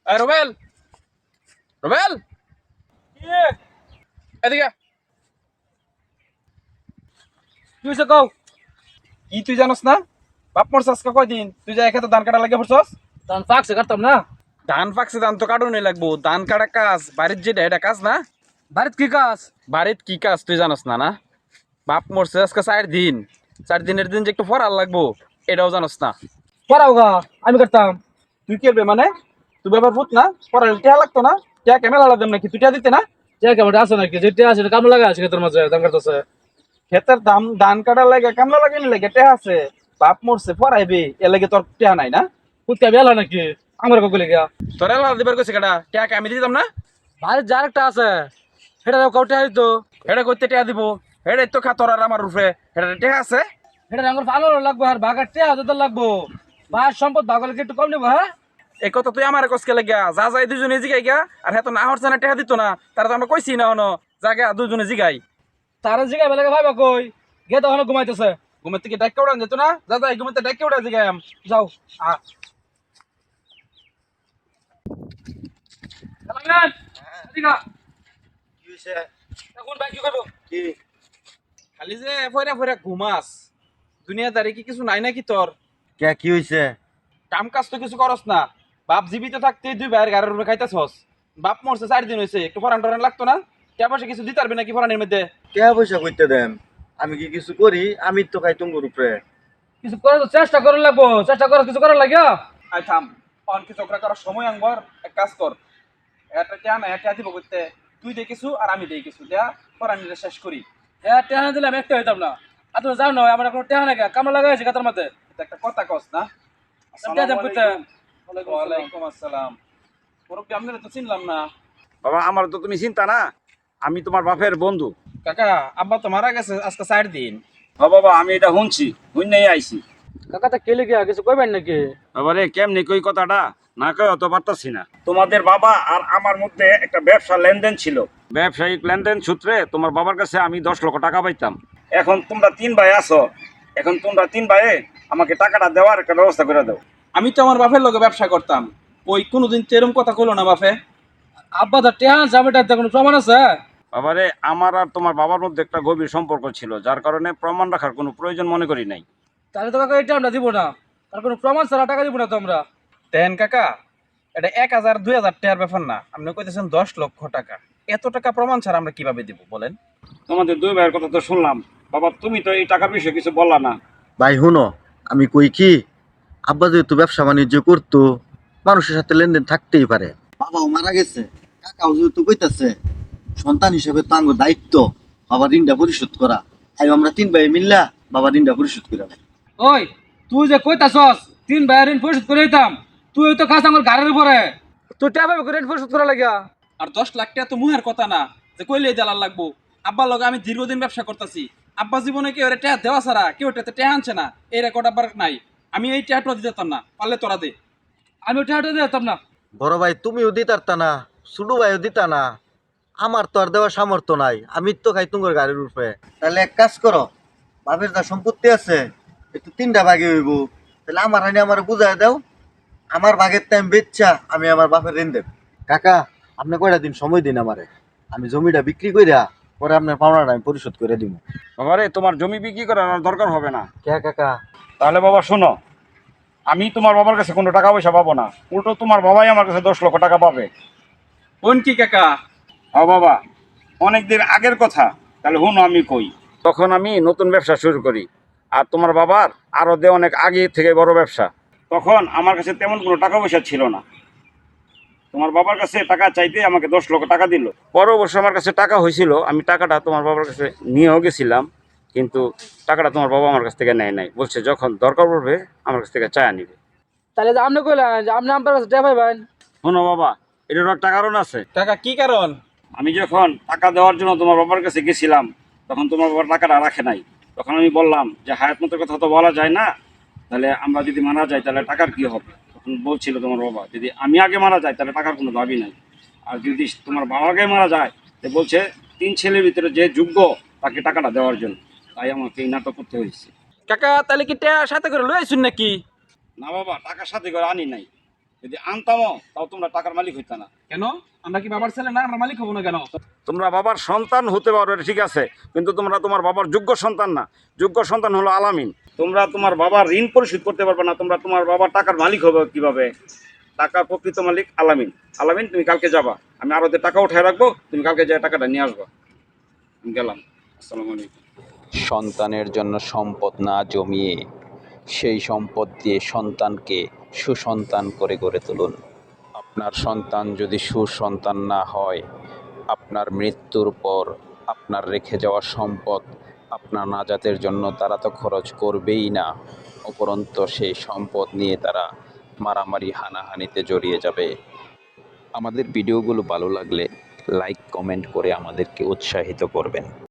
রুবেল, রুবেল, এদিকে। তুই সে কও কি তুই জানোস না? বাপ মরছে আজকে কয়দিন? তুই যা এখানে ধান কাটা লাগে পড়ছস? তখন পাকছে কাটতাম না। ধান পাকছে, ধান তো কাটুনি লাগবো। ধান কাটা কাজ বাড়ির যেটা এটা কাজ না? বাড়িতে কি কাজ? বাড়ির কি কাজ তুই জানোস না? না, বাপ মরছে আজকে 4 দিন। 4 দিনের দিন যে একটু ফরাল লাগবো, এটাও জানোস না? পড়াও গা, আমি কাটতাম। তুই কেবে মানে? তুই ব্যাপার ভূত না? ফরাল টিয়া লাগতো না? টিয়া কেমন আলাদা নাকি? তুই টিয়া দিতে না? যে কেমন আছে নাকি যেটা আছে কাম লাগা আছে ক্ষেতের মাঝে ধান কাটতেছে। ক্ষেতের দাম ধান কাটা লাগে, কামলা লাগে নি লাগে, টিয়া আছে। বাপ মরছে ফরাইবি, এ লাগে তোর টিয়া নাই না? কুত্তা বেলা নাকি আমার কগলে গিয়া তোর এলা দিবার কইছে কেডা? টিয়া কে আমি দিতাম না? বাড়ির যার একটা আছে সেটা কাউটে হইতো। হেডে করতে টিয়া দিব? হেডে তো খাতর আর আমার রূপে হেডে টিয়া আছে। সেটা আমার ভালো লাগবো আর ভাগার টিয়া হতে লাগবো। ভাইয়ের সম্পদ ভাগলে কি একটু কম নেবো? হ্যাঁ, এই কথা তুই আমার কসকে লাগিয়া যা যাই দুজনে জিগাই গা। আর হ্যাঁ তো না হরছে না টেহা দিত না, তারা তো আমরা কইছি না হনো জায়গা দুজনে জিগাই। তারা জিগা বেলাকে ভাইবা কই গে তখন ঘুমাইতেছে। ঘুমের থেকে ডাক্কে উড়ান যেত না? যা যাই ঘুমের থেকে ডাক্কে উড়া জিগাই যাও আহ চালাঙ্গান, এদিকে আ। কি হইছে? এখন ভাই কি করবো? কি খালি যে ফয়রা ফয়রা ঘুমাস, দুনিয়াদারি কি কিছু নাই নাকি তোর? কি হইছে? কাম কাজ তো কিছু করস না। বাপ জীবিত থাকতে দুই ভাইয়ের গাড়ির উপরে খাইতেছস। বাপ মরছে 4 দিন হয়েছে, একটু ফরান টরান লাগতো না? টাকা পয়সা কিছু দিতে পারবি নাকি ফরানের মধ্যে? টাকা পয়সা কইতে দেন, আমি কি কিছু করি? আমি তো খাই তুঙ্গুর উপরে। কিছু করার তো চেষ্টা করার লাগবো, চেষ্টা করার কিছু করার লাগিয়া। আই থাম, অন কিছু একটা করার সময় আনবার এক কাজ কর। একটা টিয়া না একটা দিব করতে, তুই দে কিছু আর আমি দেই কিছু, দেয়া ফরানিটা শেষ করি। হ্যাঁ, টেহা দিলে আমি একটা হইতাম না। আর তুমি যাও না আমার কোনো টেহা নাকি কামলা লাগাইছে কাতার মধ্যে। এটা একটা কথা কস না? টেহা দেব কইতে। ওয়ালাইকুম আসসালাম। মুরব্বি আপনারা তো চিনলাম না। বাবা, আমার তো তুমি চিন্তা না, আমি তোমার বাপের বন্ধু। কাকা, আব্বা তো মারা গেছে আজকে 4 দিন। ও বাবা, আমি এটা শুনছি, শুনেই আইছি। কাকা তা কেলে গিয়া কিছু কইবেন নাকি? বাবা রে, কেমনি কই কথাটা না কই অত পারতাছি না। তোমাদের বাবা আর আমার মধ্যে একটা ব্যবসা লেনদেন ছিল। ব্যবসায়িক লেনদেন সূত্রে তোমার বাবার কাছে আমি 10 লক্ষ টাকা পাইতাম। এখন তোমরা 3 ভাই আছো, এখন তোমরা 3 ভাইয়ে আমাকে টাকাটা দেওয়ার একটা ব্যবস্থা করে দাও। আমি তো আমার বাপের লগে ব্যবসা করতাম, ওই কোনোদিন তো এরম কথা কইলো না বাপে। আব্বা তা টেহা যাবেটা কোনো প্রমাণ আছে? বাবারে, আমার আর তোমার বাবার মধ্যে একটা গভীর সম্পর্ক ছিল, যার কারণে প্রমাণ রাখার কোনো প্রয়োজন মনে করি নাই। তাহলে তো কাকা এটা আমরা দিব না, তার কোনো প্রমাণ ছাড়া টাকা দিব না তো আমরা। দেন কাকা, এটা 1000 2000 টাকার ব্যাপার না, আপনি কইতেছেন 10 লক্ষ টাকা। এত টাকা প্রমাণ ছাড়া আমরা কিভাবে দিব বলেন? তোমাদের 2 ভাইয়ের কথা তো শুনলাম, বাবা তুমি তো এই টাকার বিষয়ে কিছু বললা না। ভাই হুনো, আমি কই কি, আব্বা যেহেতু ব্যবসা বাণিজ্য করতো, মানুষের সাথে লেনদেন থাকতেই পারে। বাবাও মারা গেছে, কাকাও যেহেতু কইতাছে, সন্তান হিসেবে তো আঙ্গ দায়িত্ব বাবার ঋণটা পরিশোধ করা। তাই আমরা 3 ভাই মিল্লা বাবার ঋণটা পরিশোধ করে দেয়। ওই, তুই যে কইতাছস 3 ভাইয়ের ঋণ পরিশোধ করে দিতাম, তুই তো খাস আমার গাড়ির উপরে। তুই টেহা পাবি ঋণ পরিশোধ করা লাগিয়া। আর 10 লাখ টাকা তো মুহের কথা না যে কইলে দেলার লাগবো। আব্বার লগে আমি দীর্ঘদিন ব্যবসা করতেছি, আব্বা জীবনে কেউ এটা টাকা দেওয়া ছাড়া কেউ এটাতে টাকা আনছে না, এই রেকর্ড আব্বার নাই। আমি এই টাকাটা দিতে পারতাম না, পারলে তোরা দে। আমি টেহাটা দিতাম না। বড় ভাই তুমিও দিতারতা না, ছোট ভাইও দিতা না, আমার তো আর দেওয়ার সামর্থ্য নাই, আমি তো খাই তুঙ্গর গাড়ির উপরে। তাহলে এক কাজ করো, বাপের যা সম্পত্তি আছে একটু 3টা ভাগে হইব, তাহলে আমার হানি আমার বুঝাই দাও, আমার ভাগের টাইম বেচা আমি আমার বাপের ঋণ দেব। কাকা, আপনি কয়টা দিন সময় দিন আমারে, আমি জমিটা বিক্রি কইরা পরে আপনার পাওনাটা আমি পরিশোধ করে দিব। বাবারে, তোমার জমি বিক্রি করার আর দরকার হবে না। কে কাকা? তাহলে বাবা শোনো, আমি তোমার বাবার কাছে কোনো টাকা পয়সা পাবো না, উল্টো তোমার বাবাই আমার কাছে 10 লক্ষ টাকা পাবে। কোন কি কাকা? হ্যাঁ বাবা, অনেকদিন আগের কথা, তাহলে হুনো আমি কই। তখন আমি নতুন ব্যবসা শুরু করি, আর তোমার বাবার আরও অনেক আগে থেকে বড় ব্যবসা। তখন আমার কাছে তেমন কোনো টাকা পয়সা ছিল না। তোমার বাবার কাছে টাকা চাইতে আমাকে 10 লক্ষ টাকা দিল। পরে অবশ্য আমার কাছে টাকা হয়েছিল, আমি টাকাটা তোমার বাবার কাছে নিয়েও গেছিলাম, কিন্তু টাকাটা তোমার বাবা আমার কাছ থেকে নেয় নাই, বলছে যখন দরকার পড়বে আমার কাছ থেকে চায়া নিবে। তাহলে যে আপনি কইলেন যে আপনি আমার কাছে টেহা পাইবেন। শোনো বাবা, এটারও একটা কারণ আছে। কাকা কি কারণ? আমি যখন টাকা দেওয়ার জন্য তোমার বাবার কাছে গেছিলাম, তখন তোমার বাবার টাকাটা রাখে নাই। তখন আমি বললাম যে হায়াত মতের কথা তো বলা যায় না, তাহলে আমরা যদি মারা যাই তাহলে টাকার কি হবে। তখন বলছিল তোমার বাবা, যদি আমি আগে মারা যাই তাহলে টাকার কোনো দাবি নাই, আর যদি তোমার বাবা আগে মারা যায় তো বলছে 3 ছেলের ভিতরে যে যোগ্য তাকে টাকাটা দেওয়ার জন্য। তাই আমাকে এই নাটক করতে হয়েছে। কাকা তাহলে কি টাকা সাথে করে লই আইছুন নাকি? না বাবা, টাকার সাথে করে আনি নাই, যদি আনতামও তাও তোমরা টাকার মালিক হইতা না। কেন? আমরা কি বাবার ছেলে না? আমরা মালিক হবো না কেন? তোমরা বাবার সন্তান হতে পারো, এটা ঠিক আছে, কিন্তু তোমরা তোমার বাবার যোগ্য সন্তান না। যোগ্য সন্তান হলো আলামিন। তোমরা তোমার বাবার ঋণ পরিশোধ করতে পারবে না, তোমরা তোমার বাবার টাকার মালিক হবে কিভাবে? টাকার প্রকৃত মালিক আলামিন। আলামিন, তুমি কালকে যাবা, আমি আরতে টাকা উঠায় রাখবো, তুমি কালকে যে টাকাটা নিয়ে আসবা। আমি গেলাম। আসসালামু আলাইকুম। সন্তানের জন্য সম্পদ না জমিয়ে সেই সম্পদ দিয়ে সন্তানকে সুসন্তান করে গড়ে তুলুন। আপনার সন্তান যদি সুসন্তান না হয়, আপনার মৃত্যুর পর আপনার রেখে যাওয়া সম্পদ আপনার নাজাতের জন্য তারা তো খরচ করবেই না, উপরন্তু সেই সম্পদ নিয়ে তারা মারামারি হানাহানিতে জড়িয়ে যাবে। আমাদের ভিডিওগুলো ভালো লাগলে লাইক কমেন্ট করে আমাদেরকে উৎসাহিত করবেন।